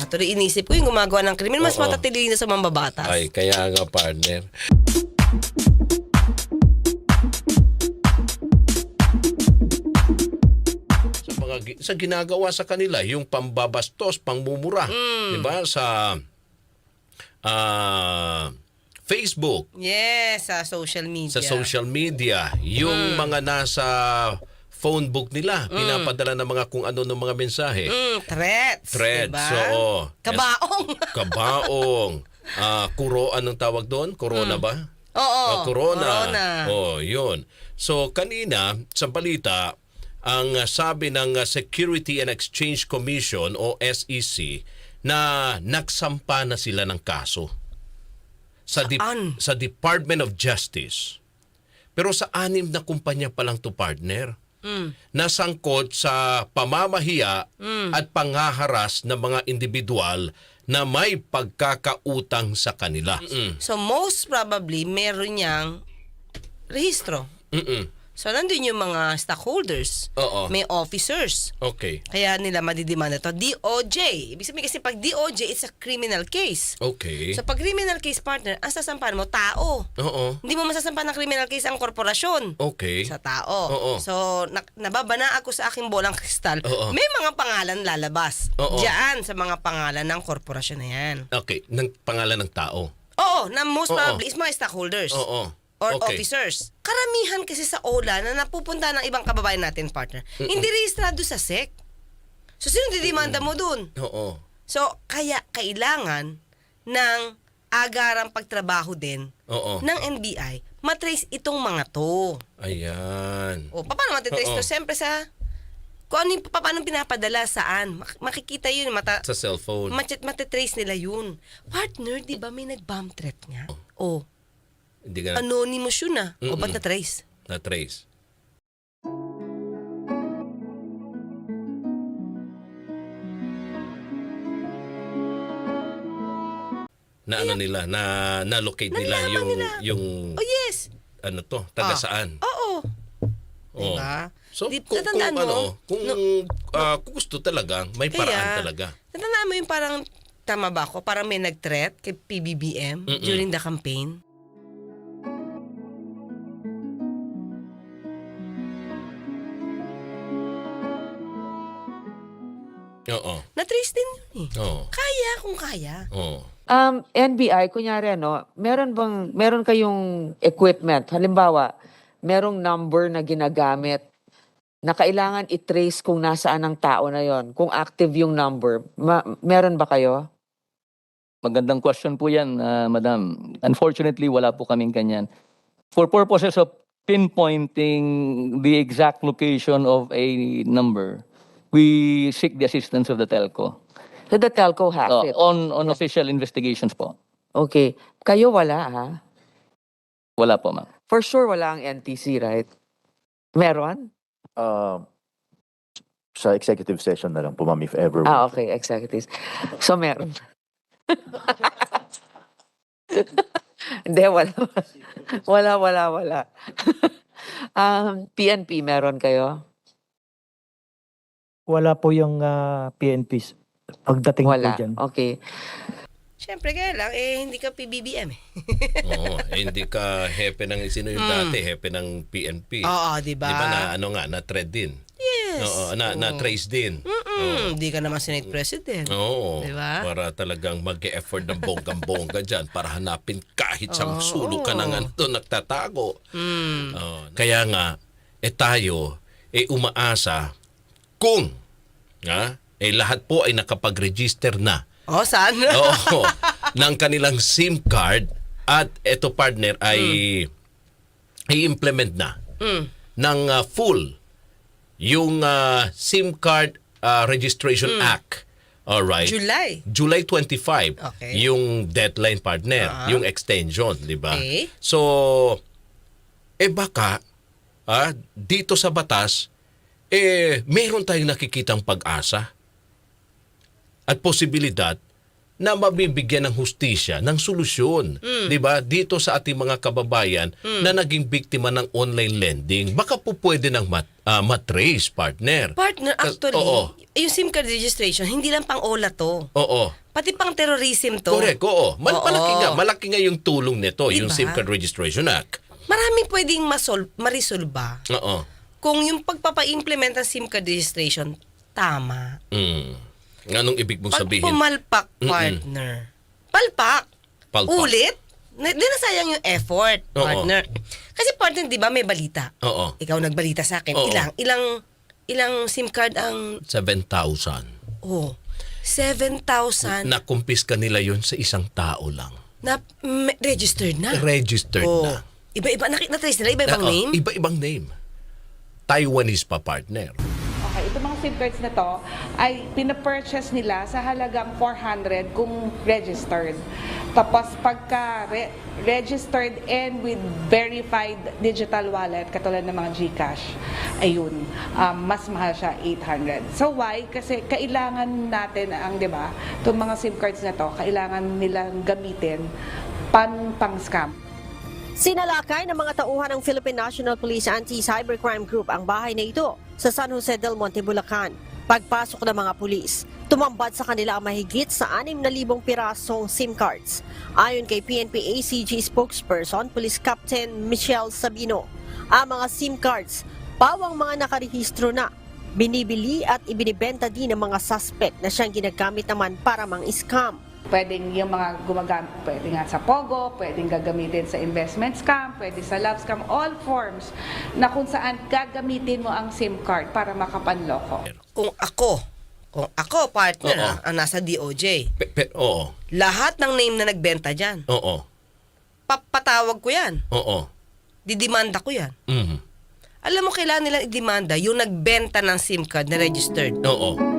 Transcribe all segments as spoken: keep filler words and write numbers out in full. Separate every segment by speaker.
Speaker 1: Tuloy inisip ko yung gumagawa ng krimen, mas
Speaker 2: Oo.
Speaker 1: matatalino sa mambabatas.
Speaker 2: Ay, kaya nga partner. Sa mga gi- sa ginagawa sa kanila, yung pambabastos, pangmumura,
Speaker 1: Mm.
Speaker 2: 'di ba? Sa ah, Facebook,
Speaker 1: Yes, sa social media.
Speaker 2: sa social media, yung mga nasa phone book nila, pinapadala ng mga kung ano ng mga mensahe.
Speaker 1: Mm, threats.
Speaker 2: Threads,
Speaker 1: Diba?
Speaker 2: oo.
Speaker 1: Kabaong.
Speaker 2: Kabaong. Ah, kuro, anong tawag doon? Corona ba?
Speaker 1: Oo.
Speaker 2: Ah, corona.
Speaker 1: Corona.
Speaker 2: Oh, yun. So, kanina, sa balita, ang ah, sabi ng ah, Security and Exchange Commission o S E C na nagsampa na sila ng kaso sa, Dep-
Speaker 1: Saan?
Speaker 2: sa Department of Justice. Pero sa anim na kumpanya pa lang to partner.
Speaker 1: Mm.
Speaker 2: Nasangkot sa pamamahiya at pangaharas ng mga individual na may pagkakautang sa kanila. Mm-mm.
Speaker 1: So most probably, meron niyang rehistro.
Speaker 2: Mm-mm.
Speaker 1: So nandun yung mga stockholders.
Speaker 2: Oo.
Speaker 1: May officers.
Speaker 2: Okay.
Speaker 1: Kaya nila madidimanda to. D O J. Ibig sabihin kasi pag D O J, it's a criminal case.
Speaker 2: Okay.
Speaker 1: So pag criminal case partner, ang sasampahan mo, tao.
Speaker 2: Oo.
Speaker 1: Hindi mo masasampahan ng criminal case ang korporasyon.
Speaker 2: Okay.
Speaker 1: Sa tao.
Speaker 2: Oo.
Speaker 1: So, na, nababana ako sa aking bolang kristal.
Speaker 2: Oo.
Speaker 1: May mga pangalan lalabas.
Speaker 2: Oo.
Speaker 1: Diyan sa mga pangalan ng korporasyon na yan.
Speaker 2: Okay. Ng pangalan ng tao.
Speaker 1: Oo, na most
Speaker 2: Oo.
Speaker 1: probably is mga stockholders.
Speaker 2: Oo.
Speaker 1: Or
Speaker 2: Okay.
Speaker 1: officers. Karamihan kasi sa O L A na napupunta ng ibang kababayan natin, partner, hindi rehistrado sa S E C. So, sino didimanda mo dun?
Speaker 2: Oo.
Speaker 1: So, kaya kailangan ng agarang pagtrabaho din
Speaker 2: Oo.
Speaker 1: ng N B I matrace itong mga to.
Speaker 2: Ayan.
Speaker 1: O, paano matitrace
Speaker 2: Oo.
Speaker 1: to? Siyempre sa, kung ano yung, paano pinapadala, saan. Mak- makikita yun, mata,
Speaker 2: Sa cellphone.
Speaker 1: mat- matitrace nila yun. Partner, di ba may nag-bomb threat nga? O,
Speaker 2: Hindi ka na,
Speaker 1: anonymous yun ah. O,
Speaker 2: Mm-mm.
Speaker 1: ba't na-trace?
Speaker 2: na-trace. Na ano nila, na na-locate nila
Speaker 1: Nalaman
Speaker 2: yung
Speaker 1: nila.
Speaker 2: yung
Speaker 1: Oh, yes.
Speaker 2: ano to, taga
Speaker 1: Ah.
Speaker 2: saan.
Speaker 1: Oo.
Speaker 2: Oo.
Speaker 1: Diba?
Speaker 2: So,
Speaker 1: Di-
Speaker 2: kung, kung
Speaker 1: natandaan mo?
Speaker 2: ano, kung ah, kung gusto talaga, may paraan
Speaker 1: Kaya,
Speaker 2: talaga.
Speaker 1: Natandaan mo yung parang, tama ba ako? Parang may nag-threat kay P B B M
Speaker 2: Mm-mm.
Speaker 1: during the campaign.
Speaker 2: Oo.
Speaker 1: Na-trace din yun eh.
Speaker 2: Oo.
Speaker 1: Kaya kung kaya.
Speaker 2: Oo.
Speaker 3: Um, N B I, kunyari ano, meron bang, meron kayong equipment, halimbawa, merong number na ginagamit na kailangan i-trace kung nasaan ang tao na yon, kung active yung number. Ma- meron ba kayo?
Speaker 4: Magandang question po yan, ah, Madam. Unfortunately, wala po kaming kanyan. For purposes of pinpointing the exact location of a number, we seek the assistance of the telco.
Speaker 3: So the telco has
Speaker 4: Uh,
Speaker 3: it.
Speaker 4: on, on official investigations po.
Speaker 3: Okay. Kayo wala ha?
Speaker 4: Wala po, ma'am.
Speaker 3: For sure wala ang N T C, right? Meron?
Speaker 5: Uh, sa executive session na lang po, ma'am, if ever.
Speaker 3: Ah, okay. Executives. So meron. Hindi, wala. Wala, wala, wala. um, P N P, meron kayo?
Speaker 6: Wala po yung ah, P N Ps pagdating po
Speaker 3: Wala.
Speaker 6: dyan.
Speaker 3: Okay.
Speaker 1: Siyempre kaya lang, eh, hindi ka P B B M eh.
Speaker 2: Oo. Eh, hindi ka hepe ng sino yung dati, hepe ng P N P.
Speaker 1: Oo, di ba?
Speaker 2: Di ba na ano nga, na-thread din?
Speaker 1: Yes.
Speaker 2: Oo, na, na-trace din.
Speaker 1: Mm, Hindi ka naman Senate President.
Speaker 2: Oo.
Speaker 1: Di ba?
Speaker 2: Para talagang mag-e-effort ng bonggang-bongga dyan para hanapin kahit sa
Speaker 1: Oo.
Speaker 2: sulok ka ng ano doon nagtatago.
Speaker 1: Mm.
Speaker 2: Oo. Kaya nga, eh tayo, eh umaasa kung, ha, eh lahat po ay nakapag-register na.
Speaker 1: Oh, saan?
Speaker 2: Oo. ng kanilang SIM card at eto partner ay i-implement na
Speaker 1: Mm.
Speaker 2: ng uh, full yung uh, SIM card uh, Registration Act. All right.
Speaker 1: July.
Speaker 2: July twenty-five.
Speaker 1: Okay.
Speaker 2: Yung deadline partner,
Speaker 1: Ah.
Speaker 2: yung extension, 'di ba?
Speaker 1: Okay.
Speaker 2: So eh baka ah, dito sa batas eh meron tayong nakikitang pag-asa at posibilidad na mabibigyan ng hustisya, ng solusyon,
Speaker 1: Mm.
Speaker 2: 'di ba? Dito sa ating mga kababayan na naging biktima ng online lending. Baka po pwede nang mat, ah, matrace, partner.
Speaker 1: Partner,
Speaker 2: Kas-
Speaker 1: actually,
Speaker 2: Oo.
Speaker 1: yung SIM card registration, hindi lang pang OLA to.
Speaker 2: Oo.
Speaker 1: Pati pang terrorism to.
Speaker 2: Correct, oo. Mal-
Speaker 1: Oo.
Speaker 2: malaki nga, malaki nga yung tulong nito, yung
Speaker 1: Diba?
Speaker 2: SIM Card Registration Act.
Speaker 1: Maraming pwedeng masol- marisolba
Speaker 2: Oo.
Speaker 1: kung yung pagpapa-implement ng SIM card registration, tama.
Speaker 2: Mm. Anong ibig mong
Speaker 1: Pag
Speaker 2: sabihin?
Speaker 1: pumalpak,
Speaker 2: Mm-mm.
Speaker 1: partner, palpak,
Speaker 2: Palpak.
Speaker 1: ulit, na, di nasayang yung effort,
Speaker 2: Oo.
Speaker 1: partner. Kasi partner, di ba, may balita.
Speaker 2: Oo.
Speaker 1: Ikaw nagbalita sa akin.
Speaker 2: Oo.
Speaker 1: Ilang, ilang, ilang SIM card ang,
Speaker 2: seven thousand.
Speaker 1: oh, seven thousand na,
Speaker 2: Nakumpiska nila yon sa isang tao lang.
Speaker 1: mm, registered na.
Speaker 2: Registered
Speaker 1: Oh.
Speaker 2: na.
Speaker 1: Iba-iba, nakita trace nila, iba-ibang
Speaker 2: Oo,
Speaker 1: name.
Speaker 2: Iba-ibang name. Taiwanese pa, partner.
Speaker 7: Okay, itong mga SIM cards na to ay pinapurchase nila sa halagang four hundred kung registered. Tapos pagka re- registered and with verified digital wallet, katulad ng mga GCash, ayun, um, mas mahal siya, eight hundred. So why? Kasi kailangan natin ang, di ba, itong mga SIM cards na to, kailangan nilang gamitin pan pang-scam.
Speaker 8: Sinalakay ng mga tauhan ng Philippine National Police Anti-Cybercrime Group ang bahay na ito sa San Jose del Monte, Bulacan. Pagpasok ng mga pulis, tumambad sa kanila ang mahigit sa anim na libong pirasong SIM cards. Ayon kay P N P A C G spokesperson, Police Captain Michelle Sabino, ang mga SIM cards, pawang mga nakarehistro na, binibili at ibinibenta din ng mga suspect na siyang ginagamit naman para mang-scam.
Speaker 7: Pwedeng yung mga gumagamit, pwede nga sa Pogo, pwedeng gagamitin sa investment scam, pwede sa love scam, all forms na kung saan gagamitin mo ang SIM card para makapanloko.
Speaker 1: Kung ako, kung ako, partner,
Speaker 2: Oo.
Speaker 1: ah, ang nasa D O J,
Speaker 2: Pe- pe- oo.
Speaker 1: lahat ng name na nagbenta dyan,
Speaker 2: Oo.
Speaker 1: papatawag ko yan.
Speaker 2: Oo.
Speaker 1: Didimanda ko yan.
Speaker 2: Mhm.
Speaker 1: Alam mo, kailangan nilang idemanda yung nagbenta ng SIM card na registered.
Speaker 2: Oo.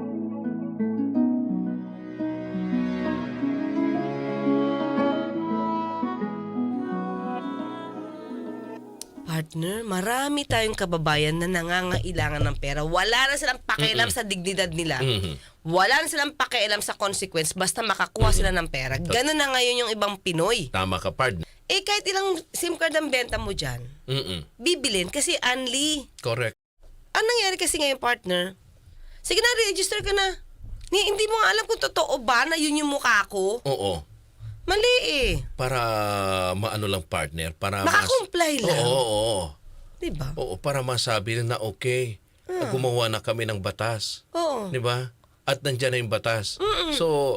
Speaker 1: Partner, marami tayong kababayan na nangangailangan ng pera. Wala na silang pakialam sa dignidad nila.
Speaker 2: Mhm.
Speaker 1: Wala na silang pakialam sa consequence basta makakuha sila ng pera. Ganun na ngayon yung ibang Pinoy.
Speaker 2: Tama ka, partner.
Speaker 1: Eh, kahit ilang SIM card ang benta mo dyan,
Speaker 2: Mm-mm.
Speaker 1: bibilin kasi unli.
Speaker 2: Correct.
Speaker 1: Ang nangyari kasi ngayon, partner, sige na, register ka na. Ni, hindi mo nga alam kung totoo ba na yun yung mukha ko.
Speaker 2: Oo.
Speaker 1: Mali eh.
Speaker 2: Para maano lang, partner, para mas-
Speaker 1: Makakomply lang.
Speaker 2: Oo, oo, oo.
Speaker 1: Diba?
Speaker 2: Oo, para masabi na okay, na gumawa na kami ng batas.
Speaker 1: Oo.
Speaker 2: 'Di ba? At nandiyan na yung batas. So,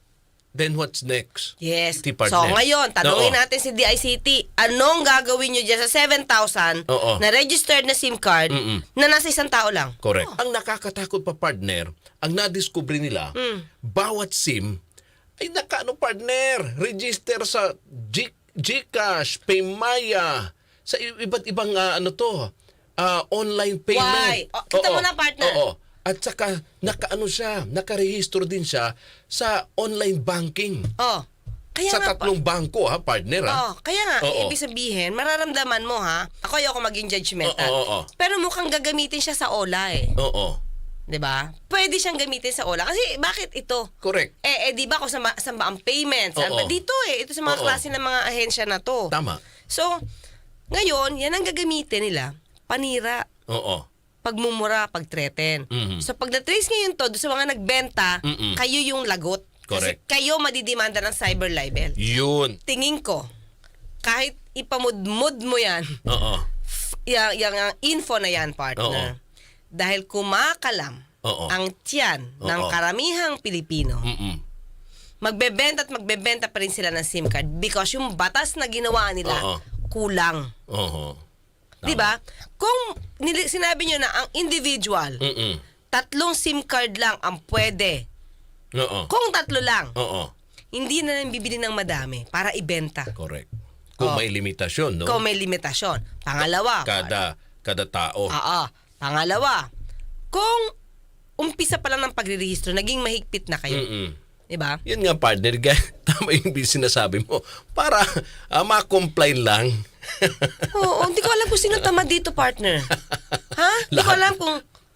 Speaker 2: then what's next?
Speaker 1: Yes.
Speaker 2: Di,
Speaker 1: So
Speaker 2: partner.
Speaker 1: ngayon, tanungin
Speaker 2: Oo.
Speaker 1: natin si D I C T, anong gagawin nyo dyan sa seven thousand
Speaker 2: Oo.
Speaker 1: na registered na SIM card
Speaker 2: Mm-mm.
Speaker 1: na nasa isang tao lang?
Speaker 2: Correct. Ang nakakatakot pa, partner, ang nadiscover nila,
Speaker 1: Mm.
Speaker 2: bawat SIM ay nakaano, partner, register sa G- GCash, Paymaya, sa i- iba't ibang ah, ano to, ah, online payment.
Speaker 1: Why? Oh, kita
Speaker 2: Oo.
Speaker 1: mo na, partner.
Speaker 2: Oo. At saka nakaano siya, nakarehistro din siya sa online banking.
Speaker 1: Oh. Kaya
Speaker 2: sa
Speaker 1: nga,
Speaker 2: tatlong bangko, ha, partner, ha?
Speaker 1: Oh, kaya nga,
Speaker 2: Oo.
Speaker 1: ibig sabihin, mararamdaman mo ha, ako ayoko maging judgmental.
Speaker 2: Oo, oo, oo.
Speaker 1: Pero mukhang gagamitin siya sa OLA eh.
Speaker 2: Oo.
Speaker 1: 'Di ba? Pwede siyang gamitin sa OLA. Kasi bakit ito?
Speaker 2: Correct.
Speaker 1: Eh, eh di ba kung sa, ma- sa ang payments?
Speaker 2: Oo.
Speaker 1: Ano ba? Dito eh. Ito sa mga
Speaker 2: Oo.
Speaker 1: klase ng mga ahensya na to.
Speaker 2: Tama.
Speaker 1: So, ngayon, yan ang gagamitin nila. Panira,
Speaker 2: Oo.
Speaker 1: pagmumura, pagtreten.
Speaker 2: Mhm.
Speaker 1: So, pag na-trace ngayon to, doon sa mga nagbenta,
Speaker 2: Mm-mm.
Speaker 1: kayo yung lagot. Kasi
Speaker 2: Correct.
Speaker 1: kayo madidimanda ng cyber libel.
Speaker 2: Yun.
Speaker 1: Tingin ko, kahit ipamudmud mo yan,
Speaker 2: Oo.
Speaker 1: yung, yung uh, info na yan, partner, dahil kumakalam
Speaker 2: Oo.
Speaker 1: ang tiyan ng
Speaker 2: Oo.
Speaker 1: karamihang Pilipino,
Speaker 2: Mm-mm.
Speaker 1: magbebenta at magbebenta pa rin sila ng SIM card because yung batas na ginawa nila
Speaker 2: Oo.
Speaker 1: kulang.
Speaker 2: Oo. Tama.
Speaker 1: 'Di ba? Kung nili- sinabi nyo na ang individual,
Speaker 2: Mm-mm.
Speaker 1: tatlong SIM card lang ang pwede.
Speaker 2: Oo.
Speaker 1: Kung tatlo lang,
Speaker 2: Oo.
Speaker 1: hindi na lang bibili ng madami para ibenta.
Speaker 2: Correct. Kung
Speaker 1: Oh.
Speaker 2: may limitasyon, no?
Speaker 1: Kung may limitasyon. Pangalawa,
Speaker 2: Kada kada tao.
Speaker 1: Oo. Pangalawa, kung umpisa pa lang ng pagrerehistro, naging mahigpit na kayo.
Speaker 2: Mm-mm.
Speaker 1: 'Di ba?
Speaker 2: Yan nga, partner. Ga- Tama yung sinasabi mo. Para uh, ma-comply lang.
Speaker 1: Oo, hindi ko alam kung sino tamad dito, partner. Ha? Hindi ko
Speaker 2: Lahat.
Speaker 1: alam kung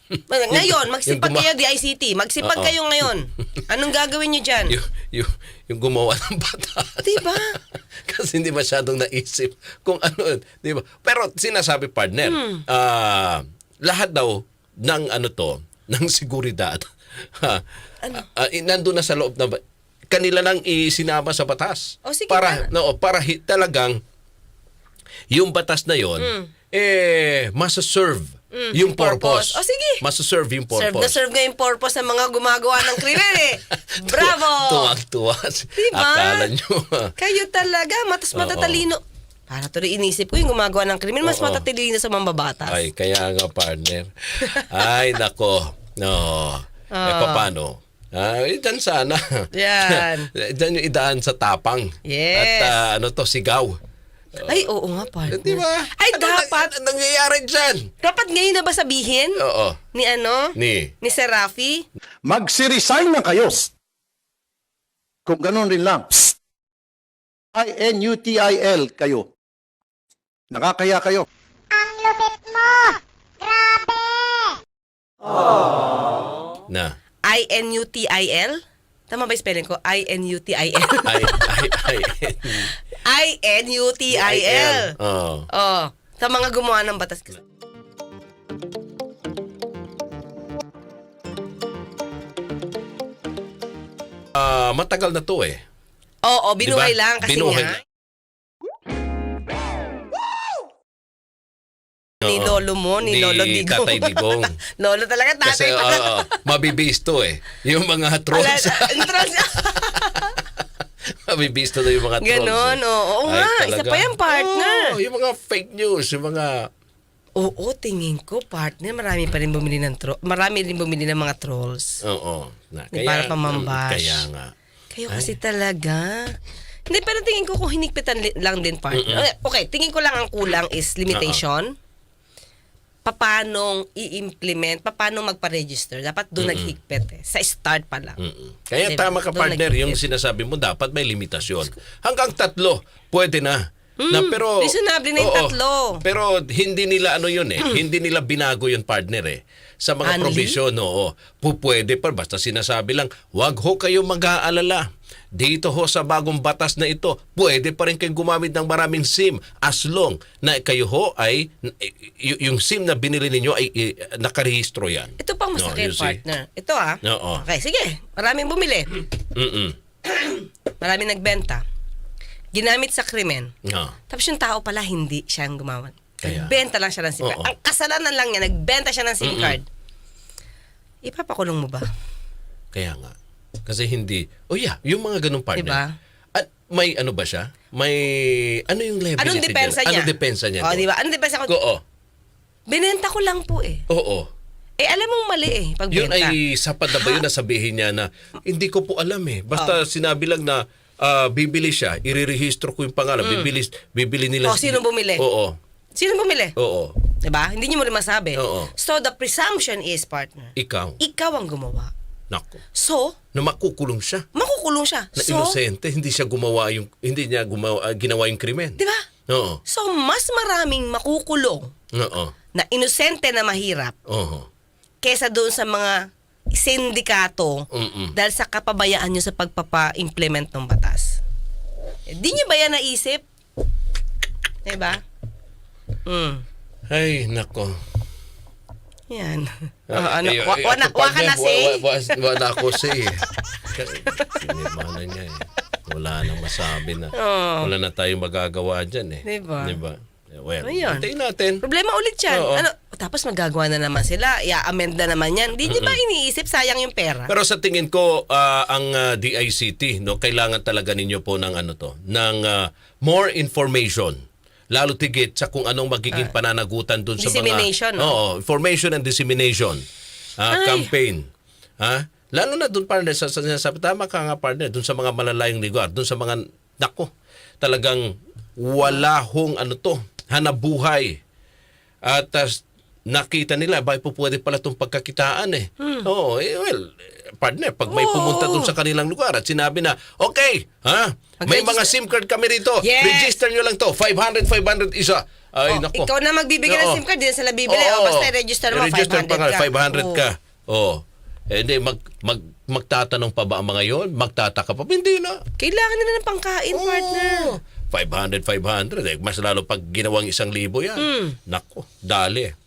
Speaker 1: Ngayon, magsipag
Speaker 2: yung guma-
Speaker 1: kayo D I C T. Magsipag
Speaker 2: Oo.
Speaker 1: kayo ngayon. Anong gagawin nyo dyan?
Speaker 2: yung, yung, yung gumawa ng batas.
Speaker 1: Diba?
Speaker 2: Kasi hindi masyadong naisip kung ano, di ba? Pero sinasabi, partner,
Speaker 1: Hmm.
Speaker 2: ah, lahat daw ng ano to, ng seguridad, ha,
Speaker 1: Ano?
Speaker 2: ah, eh, nandun na sa loob na, ba- kanila nang isinama sa batas.
Speaker 1: O, sige
Speaker 2: para,
Speaker 1: na.
Speaker 2: no, para hi- talagang, yung batas na yon eh, masaserve yung
Speaker 1: Hmm. purpose.
Speaker 2: purpose.
Speaker 1: O, sige.
Speaker 2: Masaserve yung purpose.
Speaker 1: Serve na serve nga yung purpose ng mga gumagawa ng krimen eh. Bravo!
Speaker 2: Tuwang-tuwa.
Speaker 1: Diba?
Speaker 2: Akala nyo.
Speaker 1: Kayo talaga, matas
Speaker 2: Oo.
Speaker 1: matatalino. Para tuloy inisip ko yung gumagawa ng krimen, mas
Speaker 2: Oo.
Speaker 1: matatalino sa mambabatas.
Speaker 2: Ay, kaya nga, partner. Ay, nako. No. Eh, paano? Ay, dyan sana.
Speaker 1: Yan.
Speaker 2: Dyan yung idaan sa tapang.
Speaker 1: Yes.
Speaker 2: At ah, ano to, sigaw.
Speaker 1: Ay, oo nga, partner.
Speaker 2: Di ba?
Speaker 1: Ay,
Speaker 2: Ano
Speaker 1: dapat.
Speaker 2: na- nangyayari dyan?
Speaker 1: Dapat ngayon na ba sabihin?
Speaker 2: Oo.
Speaker 1: Ni ano?
Speaker 2: Ni.
Speaker 1: Ni Sir Rafi?
Speaker 9: Magsiresign na kayo. Kung ganun rin lang. I N U T I L kayo. Nakakaya kayo.
Speaker 2: Na.
Speaker 1: I N U T I L? Tama ba yung spelling ko? I N U T I L.
Speaker 2: Ay, ay, ay.
Speaker 1: I N U T I L.
Speaker 2: Oo.
Speaker 1: Oh, sa mga gumawa ng batas.
Speaker 2: Ah, matagal na to eh.
Speaker 1: Oo, binuhay
Speaker 2: Diba?
Speaker 1: lang kasi
Speaker 2: Binuhay
Speaker 1: nga.
Speaker 2: lang.
Speaker 1: Ni
Speaker 2: Oo.
Speaker 1: lolo mo, ni,
Speaker 2: Ni
Speaker 1: lolo Digong.
Speaker 2: Tatay Digong.
Speaker 1: Lolo talaga,
Speaker 2: Kasi
Speaker 1: tatay
Speaker 2: oo,
Speaker 1: talaga.
Speaker 2: oo, mabibis to eh. Yung mga
Speaker 1: Ala-
Speaker 2: trolls.
Speaker 1: entrance-
Speaker 2: mabibis to yung mga trolls.
Speaker 1: Ganon,
Speaker 2: eh.
Speaker 1: oo. Oo
Speaker 2: Ay,
Speaker 1: nga, isa
Speaker 2: talaga.
Speaker 1: pa yan, partner.
Speaker 2: Oo, yung mga fake news, yung mga...
Speaker 1: Oo, tingin ko, partner, marami pa rin bumili ng tro- marami rin bumili ng mga trolls.
Speaker 2: Oo. Na,
Speaker 1: Di para pamambash.
Speaker 2: Kaya nga.
Speaker 1: Kayo kasi talaga. Hindi, pero tingin ko kung hinigpitan li- lang din, partner. Okay, tingin ko lang ang kulang is limitation. Papanong i-implement, papanong magpa-register. Dapat doon naghigpit eh. Sa start pa lang.
Speaker 2: Mm-mm. Kaya
Speaker 1: Diba?
Speaker 2: tama ka,
Speaker 1: Doon
Speaker 2: partner,
Speaker 1: nagigit.
Speaker 2: yung sinasabi mo, dapat may limitasyon. Hanggang tatlo, pwede na. na pero
Speaker 1: reasonable na yung
Speaker 2: oo,
Speaker 1: tatlo.
Speaker 2: Pero hindi nila ano yun eh. Hindi nila binago yun, partner eh. Sa mga
Speaker 1: Anli?
Speaker 2: provision, oo. Pu- Pwede pa, basta sinasabi lang, wag ho kayo mag-aalala. Dito ho sa bagong batas na ito, pwede pa rin kayong gumamit ng maraming SIM as long na kayo ho ay, y- yung SIM na binili ninyo ay i- nakarehistro yan.
Speaker 1: Ito pang
Speaker 2: No,
Speaker 1: masakit,
Speaker 2: you see?
Speaker 1: partner. Ito ah.
Speaker 2: Oo.
Speaker 1: Okay, sige. Maraming bumili.
Speaker 2: Mm-mm.
Speaker 1: Maraming nagbenta. Ginamit sa krimen.
Speaker 2: No.
Speaker 1: Tapos yung tao pala, hindi siya ang gumawa.
Speaker 2: Kaya.
Speaker 1: Nagbenta lang siya ng SIM card.
Speaker 2: Oo.
Speaker 1: Ang kasalanan lang niya, nagbenta siya ng SIM
Speaker 2: Mm-mm.
Speaker 1: card. Ipapakulong mo ba?
Speaker 2: Kaya nga. Kasi hindi, oh yeah, yung mga ganung partner.
Speaker 1: Diba?
Speaker 2: At may ano ba siya? May, ano yung liability
Speaker 1: Anong depensa
Speaker 2: dyan?
Speaker 1: niya?
Speaker 2: Anong depensa niya?
Speaker 1: O,
Speaker 2: doon?
Speaker 1: di ba? Anong depensa ko?
Speaker 2: Oo.
Speaker 1: Binenta ko lang po eh.
Speaker 2: Oo.
Speaker 1: Eh, alam mong mali eh, pag
Speaker 2: Yun
Speaker 1: benta.
Speaker 2: ay sapat na ba yun na sabihin niya na hindi ko po alam eh. Basta
Speaker 1: Oh.
Speaker 2: sinabi lang na ah, bibili siya, irerehistro ko yung pangalan, bibili, bibili nila.
Speaker 1: Oh, sino bumili?
Speaker 2: Oo.
Speaker 1: Sino bumili?
Speaker 2: Oo.
Speaker 1: Diba? Hindi niyo mo rin masabi.
Speaker 2: Oo.
Speaker 1: So, the presumption is, partner,
Speaker 2: Ikaw.
Speaker 1: ikaw ang gumawa.
Speaker 2: Nako.
Speaker 1: So,
Speaker 2: Na makukulong siya.
Speaker 1: makukulong siya.
Speaker 2: Na
Speaker 1: So,
Speaker 2: inosente, hindi siya gumawa yung, hindi niya gumawa, ah, ginawa yung krimen.
Speaker 1: diba?
Speaker 2: Oo.
Speaker 1: So, mas maraming makukulong
Speaker 2: Oo.
Speaker 1: na inosente na mahirap
Speaker 2: Oo.
Speaker 1: kesa doon sa mga sindikato
Speaker 2: Mm-mm.
Speaker 1: dahil sa kapabayaan nyo sa pagpapa-implement ng batas. Eh, di nyo ba yan naisip? Diba? Hmm.
Speaker 2: Ay, nako.
Speaker 1: Yan. Oh,
Speaker 2: Ah,
Speaker 1: ano,
Speaker 2: eh,
Speaker 1: wa,
Speaker 2: eh,
Speaker 1: wa, na,
Speaker 2: ako,
Speaker 1: wa ka
Speaker 2: partner,
Speaker 1: na say?
Speaker 2: wa- wa- wa- Wala ko say. Sinimana niya eh. Wala nang masabi na.
Speaker 1: Oh.
Speaker 2: Wala na tayong magagawa dyan eh.
Speaker 1: Diba?
Speaker 2: Diba? Eh, Well,
Speaker 1: Ayun.
Speaker 2: hintayin natin.
Speaker 1: Problema ulit yan.
Speaker 2: Oo.
Speaker 1: Ano, tapos magagawa na naman sila. I-amend na naman yan. Di nyo ba iniisip sayang yung pera?
Speaker 2: Pero sa tingin ko, ah, ang ah, D I C T, no, kailangan talaga ninyo po ng ano to, ng ah, more information. Lalo tigit sa kung anong magiging pananagutan dun sa mga...
Speaker 1: Dissemination, no?
Speaker 2: Oo, information and dissemination ah,
Speaker 1: Ay.
Speaker 2: campaign. Ha? Lalo na dun, partner, sa, sa, sa, tama ka nga, partner, dun sa mga malalayong lugar, dun sa mga, nako, talagang wala hong ano to, hanabuhay. At as nakita nila, ba po pwede pala itong pagkakitaan eh. Oo, eh, well, partner, pag may
Speaker 1: Oo.
Speaker 2: pumunta dun sa kanilang lugar at sinabi na, okay, ha? May
Speaker 1: Mag-register.
Speaker 2: mga SIM card kami rito.
Speaker 1: Yes.
Speaker 2: Register nyo lang to. five hundred, five hundred isa. Ay,
Speaker 1: Oh,
Speaker 2: nako.
Speaker 1: ikaw na magbibigay ng
Speaker 2: Oo.
Speaker 1: SIM card, di na sila bibili.
Speaker 2: Oo.
Speaker 1: O, basta i-register mo,
Speaker 2: I-register pa nga,
Speaker 1: five hundred ka.
Speaker 2: five hundred
Speaker 1: Oo.
Speaker 2: ka. Oh. Eh, hindi, mag, mag, magtatanong pa ba ang mga yon? Magtataka pa? Hindi na.
Speaker 1: Kailangan nila ng pangkain, partner.
Speaker 2: five hundred, five hundred. Eh, mas lalo pag ginawang isang libo yan.
Speaker 1: Mm.
Speaker 2: Nako, dali.